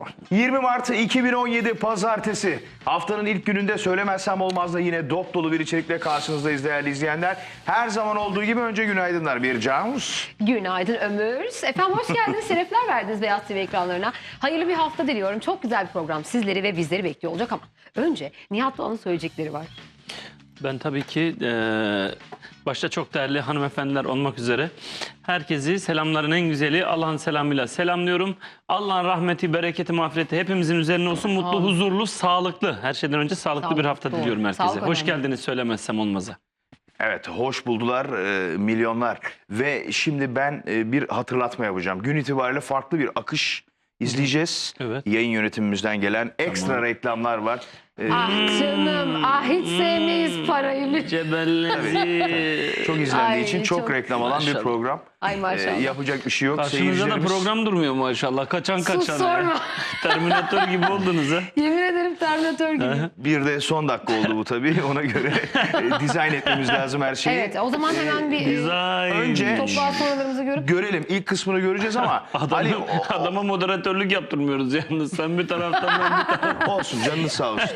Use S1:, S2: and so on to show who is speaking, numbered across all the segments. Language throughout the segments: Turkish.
S1: 20 Mart 2017 Pazartesi. Haftanın ilk gününde söylemezsem olmaz da yine dop dolu bir içerikle karşınızdayız değerli izleyenler. Her zaman olduğu gibi önce günaydınlar bir Canus.
S2: Günaydın Ömür. Efendim hoş geldiniz. Şerefler verdiniz Beyaz TV ekranlarına. Hayırlı bir hafta diliyorum. Çok güzel bir program sizleri ve bizleri bekliyor olacak ama önce Nihat Doğan'ın söyleyecekleri var.
S3: Ben tabii ki başta çok değerli hanımefendiler olmak üzere herkesi selamların en güzeli Allah'ın selamıyla selamlıyorum. Allah'ın rahmeti, bereketi, mağfireti hepimizin üzerine olsun. Mutlu, huzurlu, sağlıklı. Her şeyden önce sağlıklı bir hafta diliyorum herkese.
S2: Sağlık
S3: Hoş
S2: önemli.
S3: geldiniz söylemezsem olmaz'a.
S1: Evet, hoş buldular milyonlar. Ve şimdi ben bir hatırlatma yapacağım. Gün itibariyle farklı bir akış izleyeceğiz.
S3: Evet.
S1: Yayın yönetimimizden gelen ekstra reklamlar var.
S2: Ah canım, hiç sevmeyiz parayı.
S3: Cebellezi.
S1: Çok izlendiği
S2: Ay,
S1: için çok
S2: çok-
S1: reklam alan bir
S3: Maşallah.
S1: program.
S2: Ay maşallah.
S1: Yapacak bir şey yok.
S3: Karşınızda da
S1: Seyircilerimiz...
S3: program durmuyor maşallah. Kaçan
S2: Sus,
S3: kaçan.
S2: sorma.
S3: Terminatör gibi oldunuz ha.
S2: Yemin ederim Terminator gibi.
S1: Bir de son dakika oldu bu tabii. Ona göre dizayn etmemiz lazım her şeyi.
S2: Evet, o zaman hemen bir
S3: Dizayn.
S1: önce-
S2: toplantı sorularımızı görüp
S1: Görelim. İlk kısmını göreceğiz ama Ali
S3: Adama moderatörlük yaptırmıyoruz yalnız. Sen bir taraftan ben bir taraftan.
S1: olsun canınız sağ olsun.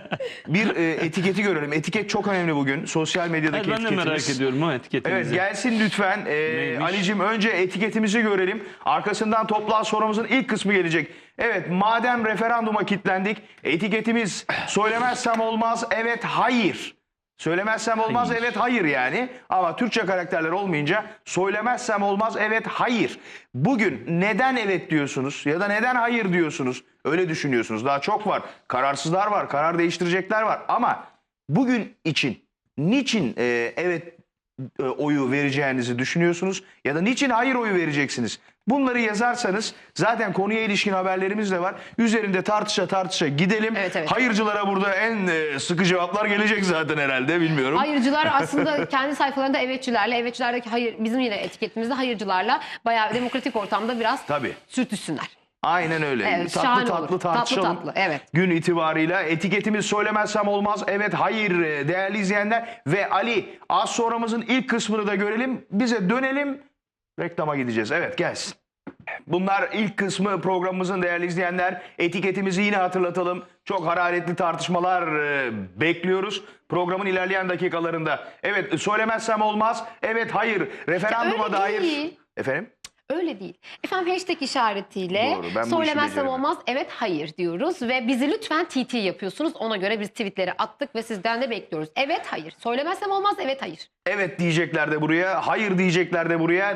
S1: Bir etiketi görelim. Etiket çok önemli bugün. Sosyal medyadaki
S3: Ben de
S1: etiketimiz.
S3: merak ediyorum o etiketinizi.
S1: Evet gelsin lütfen.
S3: Neymiş?
S1: Ali'cim önce etiketimizi görelim. Arkasından toplam sorumuzun ilk kısmı gelecek. Evet madem referanduma kilitlendik. Etiketimiz söylemezsem olmaz evet hayır. Söylemezsem olmaz
S3: Hayır.
S1: evet hayır yani. Ama Türkçe karakterler olmayınca söylemezsem olmaz evet hayır. Bugün neden evet diyorsunuz ya da neden hayır diyorsunuz? Öyle düşünüyorsunuz. Daha çok var. Kararsızlar var. Karar değiştirecekler var. Ama bugün için niçin evet oyu vereceğinizi düşünüyorsunuz ya da niçin hayır oyu vereceksiniz? Bunları yazarsanız zaten konuya ilişkin haberlerimiz de var. Üzerinde tartışa tartışa gidelim.
S2: Evet, evet.
S1: Hayırcılara burada en sıkı cevaplar gelecek zaten herhalde bilmiyorum.
S2: hayırcılar aslında kendi sayfalarında evetçilerle, evetçilerdeki hayır, bizim yine etiketimizde hayırcılarla bayağı demokratik ortamda biraz
S1: Tabii.
S2: sürtüşsünler.
S1: Aynen öyle.
S2: Evet,
S1: tatlı
S2: şahane
S1: tatlı
S2: olur.
S1: tartışalım.
S2: Tatlı, evet.
S1: Gün itibarıyla etiketimiz söylemezsem olmaz. Evet hayır değerli izleyenler. Ve Ali az sonramızın ilk kısmını da görelim. Bize dönelim. Reklama gideceğiz. Evet gelsin. Bunlar ilk kısmı programımızın değerli izleyenler. Etiketimizi yine hatırlatalım. Çok hararetli tartışmalar bekliyoruz. Programın ilerleyen dakikalarında. Evet söylemezsem olmaz. Evet hayır. Referanduma
S2: Öyle
S1: dair.
S2: değil.
S1: Efendim?
S2: Öyle değil. Efendim hashtag işaretiyle
S1: Doğru, ben bu işi
S2: söylemezsem
S1: beceremem.
S2: olmaz evet hayır diyoruz ve bizi lütfen TT yapıyorsunuz. Ona göre biz tweetleri attık ve sizden de bekliyoruz. Evet hayır. Söylemezsem olmaz evet hayır.
S1: Evet diyecekler de buraya, hayır diyecekler de buraya.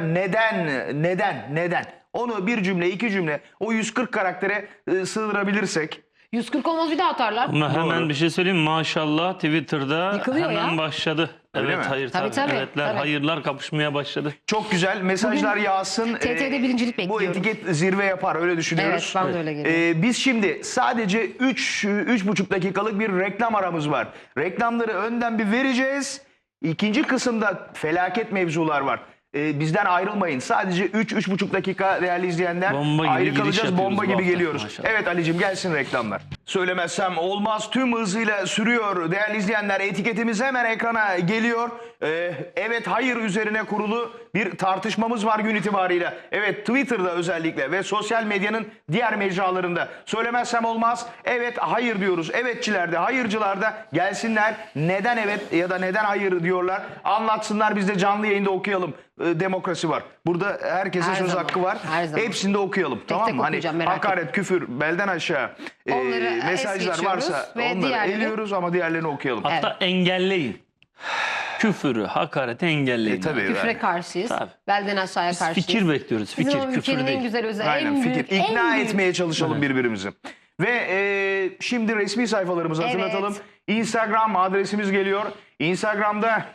S1: Neden? Onu bir cümle, iki cümle, o 140 karaktere sığdırabilirsek.
S2: 140 olmaz bir daha atarlar.
S3: Ama hemen bir şey söyleyeyim maşallah Twitter'da
S2: Yıkılıyor
S3: hemen
S2: ya.
S3: başladı.
S1: Öyle
S3: Evet
S1: mi?
S3: hayır
S2: Tabii,
S3: tabii.
S2: tabii,
S3: Evetler
S2: tabii.
S3: hayırlar kapışmaya başladı.
S1: Çok güzel mesajlar yağsın.
S2: TRT'de birincilik
S1: Bu
S2: bekliyorum.
S1: etiket zirve yapar öyle düşünüyoruz.
S2: Evet, ben de öyle geliyorum.
S1: Biz şimdi sadece 3,5 dakikalık bir reklam aramız var. Reklamları önden bir vereceğiz. İkinci kısımda felaket mevzular var. Bizden ayrılmayın. Sadece 3,5 dakika değerli izleyenler.
S3: Bomba gibi
S1: ayrı
S3: giriş
S1: kalacağız.
S3: yapıyoruz
S1: Bomba
S3: bu
S1: gibi
S3: hafta.
S1: geliyoruz.
S3: Maşallah.
S1: Evet Ali'cim gelsin reklamlar. Söylemezsem olmaz tüm hızıyla sürüyor değerli izleyenler. Etiketimiz hemen ekrana geliyor. Evet hayır üzerine kurulu bir tartışmamız var gün itibarıyla. Evet Twitter'da özellikle ve sosyal medyanın diğer mecralarında. Söylemezsem olmaz. Evet hayır diyoruz. Evetçiler de hayırcılar da gelsinler. Neden evet ya da neden hayır diyorlar. Anlatsınlar biz de canlı yayında okuyalım. Demokrasi var. Burada herkesin
S2: Her
S1: söz
S2: zaman,
S1: hakkı var.
S2: her zaman.
S1: Hepsini de okuyalım. Tamam
S2: tek
S1: mı? Hani
S2: okuyacağım, merak
S1: hakaret, küfür, belden aşağı
S2: Onları es
S1: mesajlar
S2: geçiyoruz
S1: varsa
S2: ve
S1: onları
S2: diğerleri-
S1: eliyoruz ama diğerlerini okuyalım.
S3: Hatta engelleyin. Küfürü, hakareti engelleyin.
S1: Tabii.
S2: Küfre
S1: yani.
S2: karşıyız.
S3: Tabii.
S2: Belden aşağıya
S3: Biz
S2: karşıyız.
S3: fikir bekliyoruz.
S2: Bizim
S3: Fikir,
S2: o
S3: küfür
S2: ülkenin en
S3: değil.
S2: güzel özelliği.
S1: Aynen
S2: En
S1: fikir.
S2: büyük,
S1: İkna
S2: en büyük.
S1: etmeye çalışalım birbirimizi. Ve şimdi resmi sayfalarımızı
S2: Evet.
S1: hatırlatalım. Instagram adresimiz geliyor. Instagram'da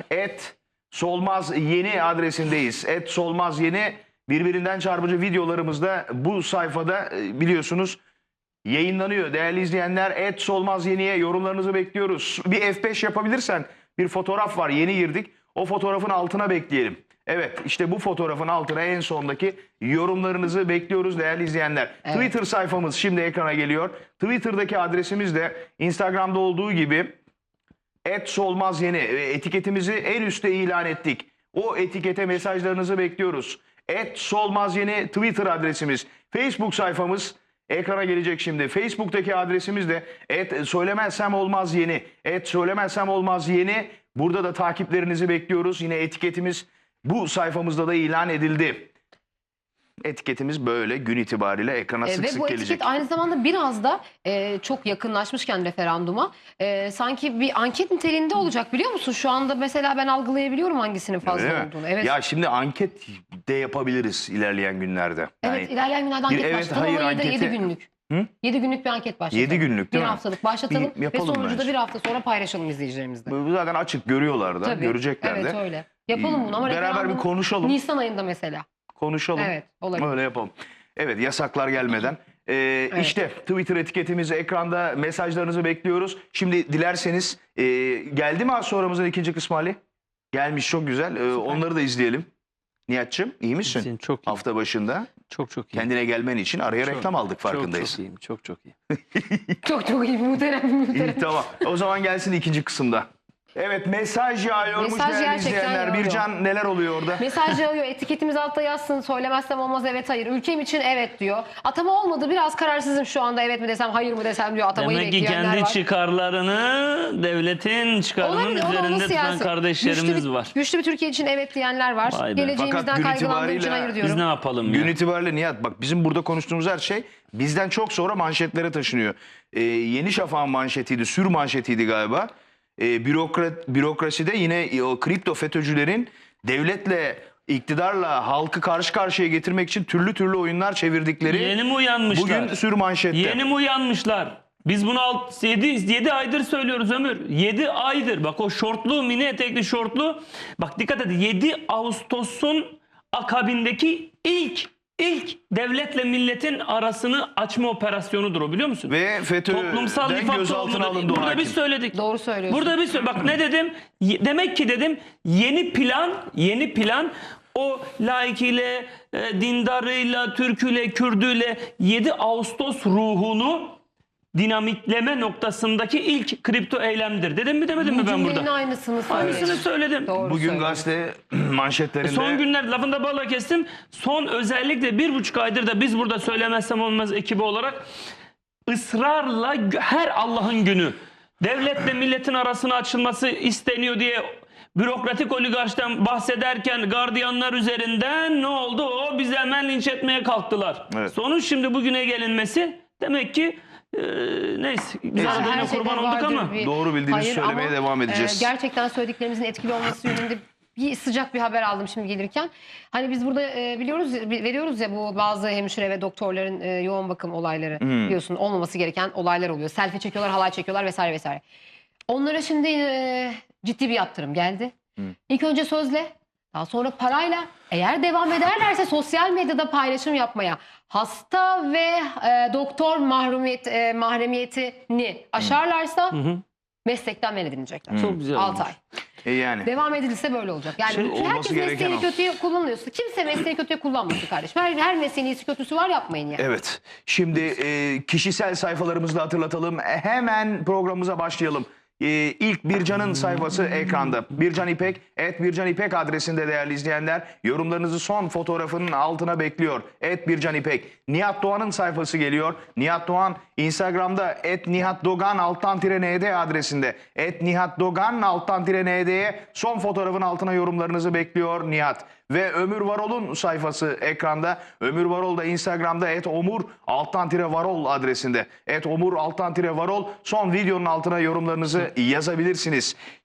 S1: @solmazyeni adresindeyiz. @solmazyeni birbirinden çarpıcı videolarımızda bu sayfada biliyorsunuz yayınlanıyor. Değerli izleyenler @solmazyeni'ye yorumlarınızı bekliyoruz. Bir F5 yapabilirsen bir fotoğraf var yeni girdik. O fotoğrafın altına bekleyelim. Evet işte bu fotoğrafın altına en sondaki yorumlarınızı bekliyoruz değerli izleyenler.
S2: Evet.
S1: Twitter sayfamız şimdi ekrana geliyor. Twitter'daki adresimiz de Instagram'da olduğu gibi @solmazyeni etiketimizi en üstte ilan ettik. O etikete mesajlarınızı bekliyoruz. @solmazyeni Twitter adresimiz. Facebook sayfamız ekrana gelecek şimdi. Facebook'taki adresimiz de @söylemezsem olmaz yeni. @söylemezsem olmaz yeni. Burada da takiplerinizi bekliyoruz. Yine etiketimiz bu sayfamızda da ilan edildi. Etiketimiz böyle gün itibariyle ekrana sık
S2: Ve
S1: sık
S2: bu
S1: gelecek.
S2: etiket aynı zamanda biraz da çok yakınlaşmışken referanduma sanki bir anket niteliğinde olacak, biliyor musun? Şu anda mesela ben algılayabiliyorum hangisinin fazla
S1: Öyle mi?
S2: olduğunu. Evet.
S1: Ya şimdi anket de yapabiliriz ilerleyen günlerde.
S2: Evet, ilerleyen günlerde anket
S1: evet,
S2: başlatalım
S1: hayır,
S2: ama
S1: anketi-
S2: 7 günlük.
S1: Hı?
S2: 7 günlük bir anket başlatalım.
S1: 7 günlük değil
S2: bir
S1: mi?
S2: haftalık başlatalım
S1: Bir
S2: ve
S1: yapalım
S2: sonucu da
S1: bence.
S2: bir hafta sonra paylaşalım izleyicilerimizle.
S1: Bu zaten açık görüyorlar da,
S2: Tabii.
S1: görecekler
S2: Evet
S1: de.
S2: öyle. Yapalım bunu ama
S1: Beraber bir
S2: referandum
S1: konuşalım.
S2: Nisan ayında mesela.
S1: Konuşalım.
S2: Evet, olabilir.
S1: Öyle yapalım. Evet, yasaklar gelmeden. İşte Twitter etiketimiz ekranda, mesajlarınızı bekliyoruz. Şimdi dilerseniz geldi mi az sonramızın ikinci kısmı Ali? Gelmiş, çok güzel. Onları da izleyelim. Nihat'cığım iyi misin?
S3: Senin çok iyi.
S1: Hafta başında
S3: Çok iyi.
S1: kendine gelmen için araya reklam aldık, farkındayız.
S3: Çok iyiyim. Çok iyi.
S2: Çok iyi, muhterem.
S1: İyi, tamam. O zaman gelsin ikinci kısımda. Evet, mesaj yağıyormuş
S2: Mesaj
S1: değerli
S2: gerçekten
S1: izleyenler.
S2: yağıyor.
S1: Bircan, neler oluyor orada?
S2: Mesaj yağıyor. Etiketimiz altta yazsın. Söylemezsem olmaz, evet hayır. Ülkem için evet diyor. Atama olmadı. Biraz kararsızım şu anda. Evet mi desem hayır mı desem diyor. Atamayı
S3: Demek ki
S2: bekleyenler
S3: kendi
S2: var.
S3: çıkarlarını devletin çıkarının
S2: Olabilir, o da
S3: üzerinde tutan
S2: siyasi.
S3: kardeşlerimiz var.
S2: Güçlü bir Türkiye için evet diyenler var.
S3: Vay be.
S2: Geleceğimizden
S1: Fakat gün
S2: kaygılandığım için
S1: itibariyle
S2: hayır
S3: Biz
S2: diyorum.
S3: ne yapalım
S1: Gün
S3: ya?
S1: itibariyle Nihat, bak bizim burada konuştuğumuz her şey bizden çok sonra manşetlere taşınıyor. Yeni Şafak'ın manşetiydi, sür manşetiydi galiba. Bürokraside yine o kripto FETÖ'cülerin devletle, iktidarla halkı karşı karşıya getirmek için türlü oyunlar çevirdikleri
S3: Yeni mi uyanmışlar?
S1: bugün sür manşette.
S3: Yeni mi uyanmışlar? Biz bunu 7 aydır söylüyoruz Ömür. 7 aydır. Bak o şortlu, mini etekli şortlu. Bak dikkat edin. 7 Ağustos'un akabindeki ilk devletle milletin arasını açma operasyonudur o, biliyor musun?
S1: Ve
S3: Toplumsal
S1: FETÖ'den
S3: nifak
S1: gözaltına
S3: tohumu.
S1: alındı o
S3: Burada
S1: hakim.
S3: biz söyledik.
S2: Doğru söylüyorsun.
S3: Burada biz bak ne dedim? Demek ki dedim yeni plan o laikiyle, dindarıyla, Türküyle, Kürdüyle 7 Ağustos ruhunu dinamitleme noktasındaki ilk kripto eylemdir. Dedim mi demedim mi ben
S2: Cümlenin
S3: burada?
S2: aynısını söylüyorsun.
S3: Aynısını söyledim.
S2: Doğru
S1: Bugün
S2: söylüyorsun.
S1: gazete manşetlerinde
S3: Son günler lafında balla kestim. Son özellikle 1,5 aydır da biz burada söylemezsem olmaz ekibi olarak ısrarla her Allah'ın günü devletle milletin arasına açılması isteniyor diye bürokratik oligarştan bahsederken gardiyanlar üzerinden ne oldu? O bizi hemen linç etmeye kalktılar.
S1: Evet.
S3: Sonuç şimdi bugüne gelinmesi demek ki neyse güzel
S1: Neyse.
S3: adayına
S2: Her şeyden
S3: kurban olduk
S2: vardır
S3: ama
S2: bir
S1: doğru bildiğimizi
S2: hayır
S1: söylemeye
S2: ama,
S1: devam edeceğiz.
S2: Gerçekten söylediklerimizin etkili olması yönünde sıcak bir haber aldım şimdi gelirken. Hani biz burada veriyoruz ya bu bazı hemşire ve doktorların yoğun bakım olayları, biliyorsun olmaması gereken olaylar oluyor. Selfie çekiyorlar, halay çekiyorlar vesaire vesaire. Onlara şimdi ciddi bir yaptırım geldi. İlk önce sözle, daha sonra parayla, eğer devam ederlerse sosyal medyada paylaşım yapmaya, hasta ve doktor mahremiyetini aşarlarsa meslekten men edilecekler.
S3: çok güzel
S2: 6
S3: olmuş.
S2: ay.
S1: Yani
S2: Devam edilirse böyle olacak. Yani
S1: olması
S2: herkes
S1: gereken
S2: mesleğini
S1: o.
S2: kötüye kullanıyorsa, kimse mesleğini kötüye kullanmasın kardeşim. Her mesleğin iyisi kötüsü var, yapmayın yani.
S1: evet. Şimdi kişisel sayfalarımızı da hatırlatalım. Hemen programımıza başlayalım. İlk Bircan'ın sayfası ekranda. Bircan İpek, @Bircan İpek adresinde değerli izleyenler. Yorumlarınızı son fotoğrafının altına bekliyor. @Bircan İpek. Nihat Doğan'ın sayfası geliyor. Nihat Doğan Instagram'da @NihatDogan_ND adresinde. @NihatDogan_ND'ye son fotoğrafın altına yorumlarınızı bekliyor Nihat. Ve Ömür Varol'un sayfası ekranda. Ömür Varol da Instagram'da @Omur_Varol adresinde. @Omur_Varol son videonun altına yorumlarınızı yazabilirsiniz.